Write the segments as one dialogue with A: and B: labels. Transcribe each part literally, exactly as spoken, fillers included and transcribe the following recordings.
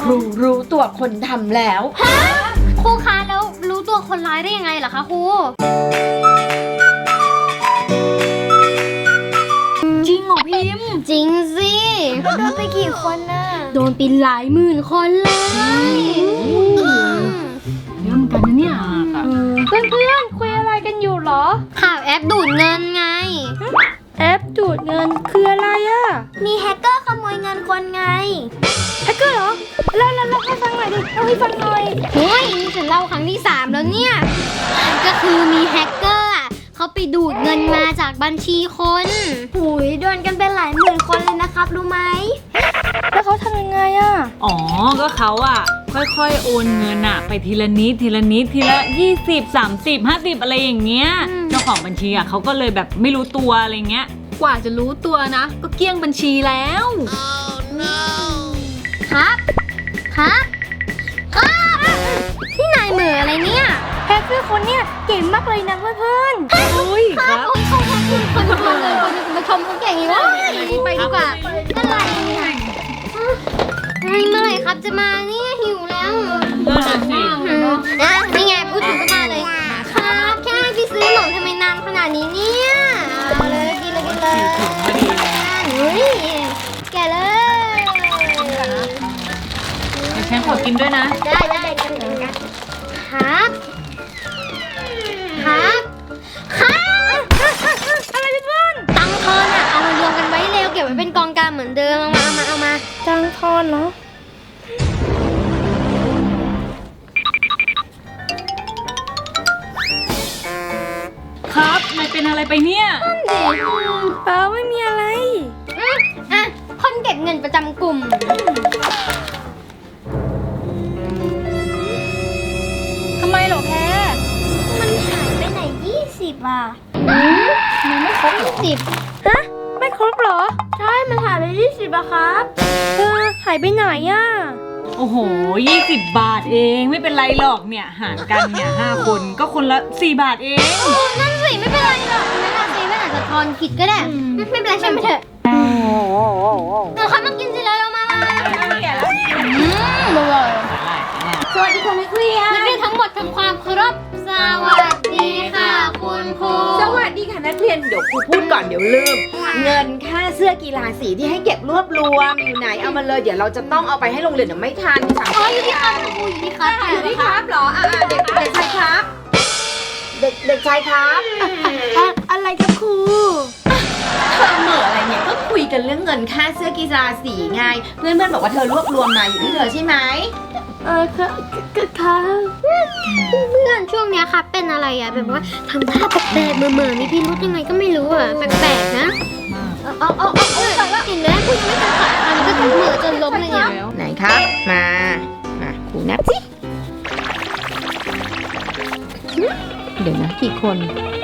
A: รูรู้ตัวคนทำแล้ว
B: ฮะครูคะแล้วรู้ตัวคนร้ายได้ยังไงเหรอคะครู
A: จริงเหรอพิมพ์
B: จริงสิโดนไปกี่คนน่ะโดนไปหลายหมื่นคนเลย
A: เยอะเหมือนกันนะเนี่ยเพื่อนเพื่อนคุยอะไรกันอยู่หรอ
B: ข่าวแอปดูดเงินไง
A: แอปดูดเงินคืออะไรอ่ะ
B: มีแฮกเกอร์ขโมยเงินคนไง
A: แฮกเกอร์เหรอเล่าเล่าเล่าให้ฟังหน่อยดิเล่าให้ฟังหน่อย
B: เฮ้ยนี่ฉันเล่าครั้งที่สามแล้วเนี่ยก็คือมีแฮกเกอร์อ่ะเขาไปดูดเงินมาจากบัญชีคนหุยโดนกันเป็นหลายหมื่นคนเลยนะครับรู้ไหม
A: แล้วเขาทำยังไงอ่ะ
C: อ๋อก็เขาอ่ะค่อยๆโอนเงินอ่ะไปทีละนิดทีละนิดทีละยี่สิบสามสิบห้าสิบอะไรอย่างเงี้ยเจ้าของบัญชีอ่ะเขาก็เลยแบบไม่รู้ตัวอะไรเงี้ย
A: กว่าจะรู้ตัวนะก็เกลี้ยงบัญชีแล้ว
B: ครับครับครับที่นายเหมืออะไรเนี่ย
A: แฮกเกอร์คนเนี่ยเก่งมากเลยนะเพื่อนๆ
C: โอ้ยครับ
B: โอ้ยเขาแฮกเกอร์คนทุกคนเลยคนมาชมเขาเก่งอย่างนี้ไปดีกว่าเมื่อไหร่เนี่ยเมื่อไหร่ครับจะมาเนี่ยหิวแล้วอ่ะนี่ไงพูดถึงก็มาเลยครับแค่ให้พี่ซื้อขนมทำไมนานขนาดนี้เนี่ยเอาเลยกินเลยกินเลยเฮ้ยแกเลย
C: เดี๋ยวฉันขอกินด้วยนะ
B: ได้ได้ได้กันครับครับครับ
A: อะไรเพื่อน
B: ตังทอนอ่ะเอามารวมกันไว้เร็วเก็บไว้เป็นกองกลางเหมือนเดิมเอามาเอามาเอามา
A: ตังทอนเนาะ
C: ครับนายเป็นอะไรไปเนี่ย
B: เด็ก
A: เปล่าไม่มีอะไร
B: อ่ะคนเก็บเงินประจำกลุ่ม
A: ทำไมหรอแพ้
B: มันหายไปไหนยี่สิบอ่ะอืมมันไม่ครบยี่สิบ
A: ฮะไม่ครบเหรอ
B: ใช่มันหายไปยี่สิบอะครับ
A: เออหายไปไหนอ่ะ
C: โอ้โหยี่สิบบาทเองไม่เป็นไรหรอกเนี่ยหารกันเนี่ยห้าคนก็คนละสี่บาทเอง
B: โอ้นั่นสิไม่เป็นไรหรอกนั่นอาจจะไม่อาจจะทอนผิดก็ได้ไม่เป็นไรใช่ไหมเถอะเราคับมากินสิเลยเรามา
A: แก่แล้วอืมอร่อย
B: สวัสดีค่ะนักเรียนนักเรียนทั้งหมดทำความเคารพสวัสดีค่ะคุณครู
D: สวัสดีค่ะนักเรียนเดี๋ยวครูพูดก่อนเดี๋ยวลืมเงินค่าเสื้อกีฬาสีที่ให้เก็บรวบรวมอยู่ไหนเอามาเลยเดี๋ยวเราจะต้องเอาไปให้โรงเรียนเดี๋ยวไม่ทัน
B: สามอ๋ออยู่ที่ครับครูอยู่ที่ครับ
D: อยู่ที่ครับเหรออ่าเด็กเด็กชายครับเด็กเด็กชายครับ
A: อะไรครับครู
D: เธอเหม่ออะไรเนี่ยก็คุยกันเรื่องเงินค่าเสื้อกีฬาสีไงเพื่อนเพื่อนบอกว่าเธอรวบรวมมาอยู่ที่เธอใช่ไหม
A: เออค่ะค่ะ
B: เพื่อนช่วงเนี้ยครับเป็นอะไรอ่ะแบบว่าทำท่าแปลกๆเหม่อๆมีพิรุธยังไงก็ไม่รู้อ่ะแปลกๆนะเอาเอาเอาเอาเอาเห็นไหมคุณยังไม่ทันขาอันก็เหม่อจนล้มเลยเนี่ย
D: ไหนครับมามาครูนับสิเดี๋ยวนะกี่คน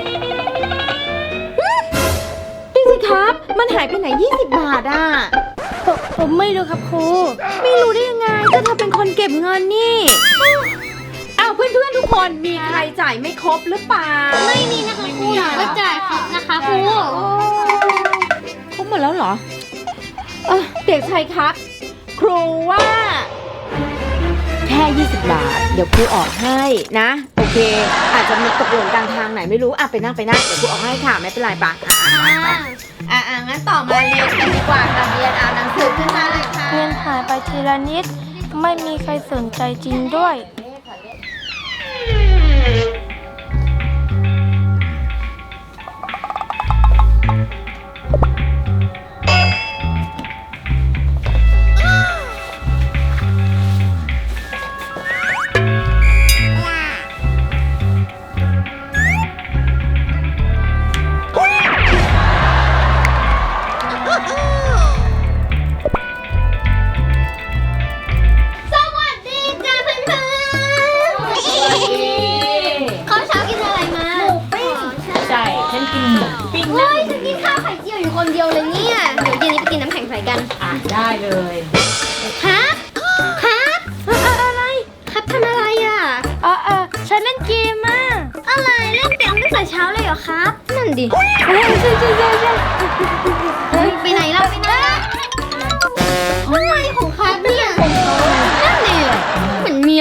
D: ดูสิครับมันหายไปไหนยี่สิบบาทอ่ะ
A: ผมไม่รู้ครับครู
D: ไม่รู้ได้ยังไงก็เธอเป็นคนเก็บเงินนี่อ้าวเพื่อนๆทุกคนมีใครจ่ายไม่ครบหรือเปล่า
B: ไม่มีนะคะครูก็จ่ายครบนะคะครู
D: ครบหมดแล้วเหรอเออเด็กชายครับครูว่าแค่ยี่สิบบาทเดี๋ยวครูออกให้นะโอเคอาจจะมีตกหล่นกลางทางไหนไม่รู้อ่ะไปนั่งไปนั่งเดี๋ยวครูออกให้ค่ะไม่เป็นไรปะอ่ะอ่ะงั้นต่อมาเรียนกันดีกว่าค่ะเรียนเอาหนังสือขึ้นมาเลยค่ะ
A: เงินหายไปทีละนิดไม่มีใครสนใจจริงด้วย
B: คนเดียวเลยเนี่ยเดี๋ยวเย็นนี้ไปกินน้ำแข็งใสกัน
C: อ่ะได้เลย
B: ครับครับ
A: อะไร
B: ครับทำอะไรอ่ะ
A: เออเออฉันเล่นเกมอ่ะ
B: อะไรเล่นเกมตั้งแต่เช้าเลยเหรอครับนั่นดิ
A: เฮ้ยใช่ใช่ใช่ใช่
B: ไปไหนล่ะไปไหนอะไรของครับเนี่ยนั่น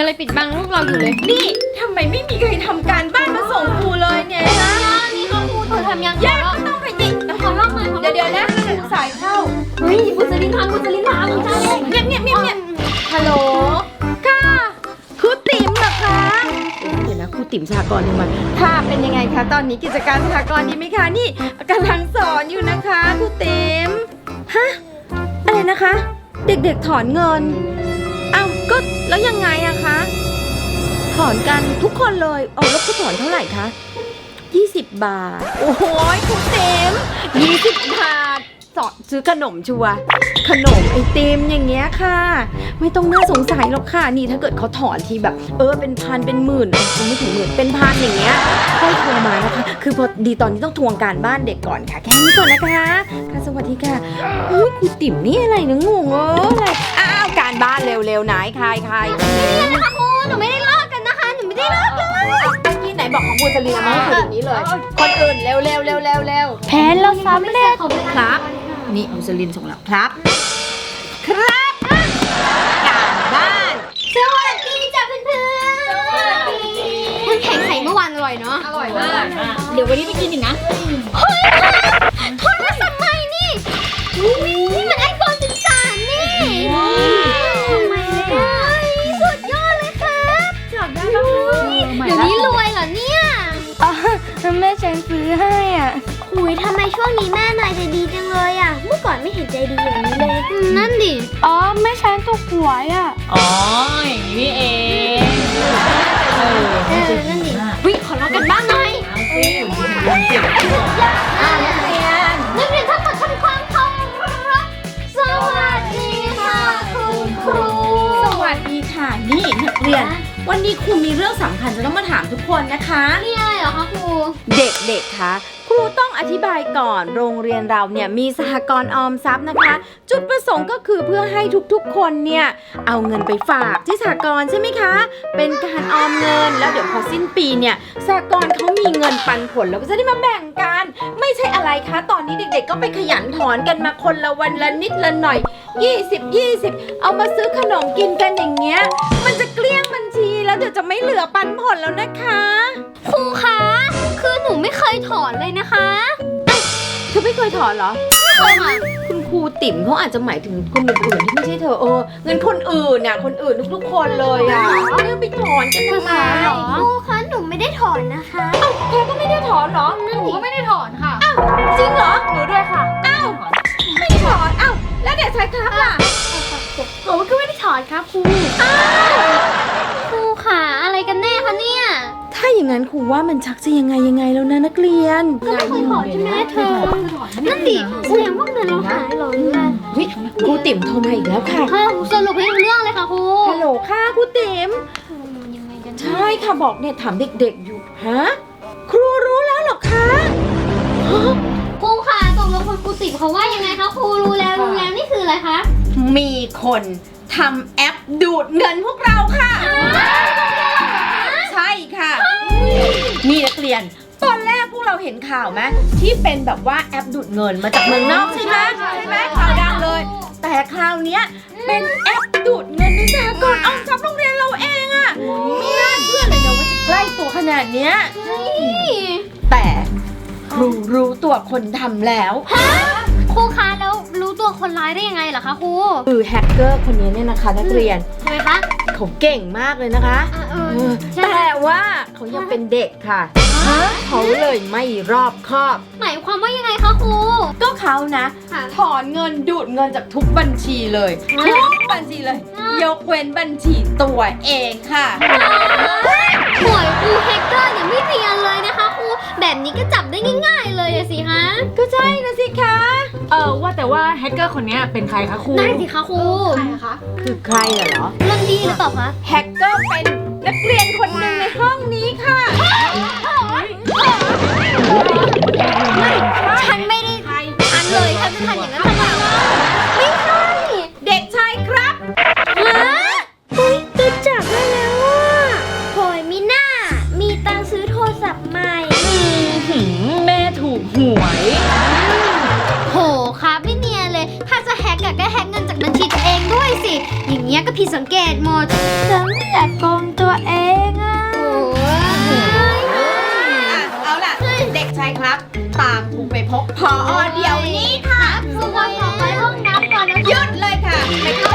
B: อะไรปิดบังลูกเราอยู่เลย
D: นี่ทำไมไม่มีใครทำการบ้านมาส่งครูเลยเนี่ยนะ
B: นี่ค่ะครูหนูทำยัง
D: ยากก็ต้องไปดิ
B: ขอรอบหน่อยขอรอบหน่
D: เดี๋
B: อย
D: ยวเดี๋ยวนะครูสายเข้า
B: เฮ้ยบุษลินทำบุษลินทำใช่
D: เงียบเงียบเงียบเงียบฮัลโหลค่ะครูติ๋มเหรอคะเดี๋ยวนะครูติ๋มสหกรณ์ดูมาค่ะเป็นยังไงคะตอนนี้กิจการสหกรณ์ดีไหมคะนี่กำลังสอนอยู่นะคะครูติ๋มฮะอะไรนะคะ เด็กๆถอนเงินอ้าวก็แล้วยังไงอะคะถอนกันทุกคนเลยเอาแล้วเขาถอนเท่าไหร่คะยี่สิบบาทโอ้โหครูติ๋มยี่สิบบาทสอนซื้อขนมชัวร์ขนมไอติมอย่างเงี้ยค่ะไม่ต้องน่าสงสัยหรอกค่ะนี่ถ้าเกิดเขาถอนทีแบบเออเป็นพันเป็นหมื่นเออไม่ถึงหมื่นเป็นพันอย่างเงี้ยค่อยโทรมานะคะคือพอดีตอนนี้ต้องทวงการบ้านเด็กก่อนค่ะแค่นี้ก่อนนะคะค่ะสวัสดีค่ะเฮ้ยครูติ๋มนี่อะไรนะงงเอออะไรอ้าวการบ้านเร็วๆไหนใครใคร
B: นี่นะคะครูหนูไม่ได้ลอกกันนะคะหนูไม่ได้ลอกเลย
D: เมื่อกี้ไหนบอกของบูจรีมาให้ครูตรงนี้เลย คนอื่นเร็วเร็วเร็วเร็วเร็ว
A: แผนเราสำเร็จ
D: ครับนี่บูจรินส่งแล้วครับ ครับการบ้าน
B: สวัสดีจ้ะเพื่อนๆสวัสดีน้ำแข็งใสเมื่อวานอร่อยเนาะอร่อยมากเดี๋ยววันนี้ไปกินอีกนะเฮ้ยโทรศัพท์ใหม่นี่นี่มันไอโฟนสิบสามนี่ทำไมเนี่ยสุดยอดเลยครับจับได้แล้วเดี๋ยวนี้รวยเหรอเนี่ย
A: อ๋อแม่ฉันซื้อให้อ่ะ
B: หุยทำไมช่วงนี้แม่นายใจดีจังเลยอ่ะเมื่อก่อนไม่เห็นใจดีอย่างนี้เลยนั่นดิ
A: อ๋อแม่ฉันถูกหวยอ่ะ
C: อ๋ออย่างนี้นี่เองเออ
B: เออนั่นดิวิขอรอกันบ้างหน่อย
D: อ่านักเรียน
B: นักเรียนทั้งหมดทำความเคารพสวัสดีค่ะคุณครู
D: สวัสดีค่ะนี่นักเรียน วันนี้ครูมีเรื่องสำคัญจะต้องมาถามทุกคนนะคะ
B: นี่อะไรเหรอคะครู
D: เด็กๆ คะ ครูต้องอธิบายก่อน โรงเรียนเราเนี่ยมีสหกรณ์ออมทรัพย์นะคะ จุดประสงค์ก็คือเพื่อให้ทุกๆ คนเนี่ยเอาเงินไปฝากที่สหกรณ์ใช่ไหมคะ เป็นการออมเงิน แล้วเดี๋ยวพอสิ้นปีเนี่ยสหกรณ์เขามีเงินปันผลแล้วก็จะได้มาแบ่งกัน ไม่ใช่อะไรคะ ตอนนี้เด็กๆ ก็ไปขยันถอนกันมาคนละวันละนิดละหน่อย ยี่สิบ ยี่สิบ เอามาซื้อขนมกินกันอย่างเงี้ย มันจะเกลี้ยงบัญชีแล้วเดี๋ยวจะไม่เหลือปันผลแล้วนะคะ
B: ครูคะ คือหนูไม่เคยถอนเลยนะคะ
D: เธอไม่เคยถอนเหรอ
B: ไม่เคยค่ะ
D: คุณครูติ๋มเขาอาจจะหมายถึงคนอื่นๆที่ไม่ใช่เธอเออเงินคนอื่นน่ะคนอื่นทุกๆคนเลยอ่ะไม่ได้ไปถอนกันทำไม
B: ครูคะหนูไม่ได้ถอนนะคะ
D: เธอก็ไม่ได้ถอนเหรอ
B: หนูก็ไม่ได้ถอนค่ะ
D: จริงเหรอหนูด้วยค่ะอ้าวไม่ได้ถอนอ้าวแล้วเด็กชายครับล่ะ
B: หนูก็ไม่ได้ถอนครับครูครูค่ะอะไรกันแน่คะเนี่ย
D: ถ้าอย่างนั้นครูว่ามันชักจะยังไงยังไงแล้วนะนักเรียน
B: ก็ไม่เคยถอนใช่ไหมเธอ นั่นดิแสดงว่าเงินเราหายเหรอหรืออะไร
D: วิครูติ๋มโทรมาอีกแล้วค่ะ
B: ค่ะสรุปให้รู้เรื่องเลยค่ะครู
D: ฮัลโหลค่ะครูติ๋ม
B: ยังไงกัน
D: ใช่ค่ะบอกเนี่ยถามเด็กๆอยู่ฮะครูรู้แล้วเหรอคะฮะ
B: ครูค่ะตกลงคุณครูติ๋มเขาว่ายังไงคะครูรู้แล้วรู้แล้วนี่คืออะไรคะ
D: มีคนทำแอปดูดเงินพวกเราค่ะ ใช่ค่ะนี่นักเรียน ตอนแรกพวกเราเห็นข่าวไหมที่เป็นแบบว่าแอปดูดเงินมาจากเมืองนอกใช่ไหมใช่ไหมข่าวดังเลย แต่คราวเนี้ยเป็นแอปดูดเงินในสหกรณ์ออมทรัพย์โรงเรียนเราเองอะไม่น่าเชื่อเลยนะว่าจะใกล้ตัวขนาดเนี้ยแต่ครูรู้ตัวคนทำแล้ว
B: ครูคะแล้วรู้ตัวคนร้ายได้ยังไงเหรอคะครู
D: คือแฮกเกอร์คนนี้เนี่ยนะคะนักเรียน
B: ทำไมคะ
D: เขาเก่งมากเลยนะคะ
B: อ่ะเอ
D: เอ
B: อ
D: อ
B: ใช่
D: แต่ว่าเขายังเป็นเด็กค่ะเขาเลยไม่รอบคอบ
B: หมายความว่ายังไงคะครู
D: ก็เขานะ
B: ค่ะ
D: ถอนเงินดูดเงินจากทุกบัญชีเลยทุกบัญชีเลย ยกเว้นบัญชีตัวเองค่ะ
B: หวยครูแฮกเกอร์เนี่ยไม่เรียนเลยนะคะครูแบบนี้ก็จับได้ง่ายๆเลยอะสิคะ
D: ก็ใช่นะสิคะ
C: เออว่าแต่ว่าแฮกเกอร์คนเนี้ยเป็นใครคะครู
B: ได้สิคะครูใครคะ
D: คือใครน่ะเหรอ
B: เรื่องดีหรือเปล่าคะ
D: แฮกเกอร์เป็นนักเรียนคนหนึ่งในห้องนี้ค่ะ
B: ไม่ฉันไม่ได้ทันเลยฉันจะทันอย่างนั้นทำไมล่ะไม่ใช่
D: เด็กชายครับ
B: ฮะเฮ้ยจะจับได้แล้วอ่ะโหยมีหน้า มีตังค์ซื้อโทรศัพท์ใหม่
C: หืมแม่ถูกหวย
B: โหครับไม่เนียนเลย ถ้าจะแฮกอะก็แฮกเงินจากบัญชีตัวเองด้วยสิ อย่างเงี้ยก็ผิดสังเกตหมด
D: ฉันไม่อยากโกงตัวเองอ่ะ
B: โอ้ย
D: เอาล่ะ เด็กชายครับ ตามครูไปพบพอเดี๋ยวนี้ค่ะ
B: ครูว่าขอไปห้องน้ำก่อนนะ
D: หยุดเลยค่ะไปเข้า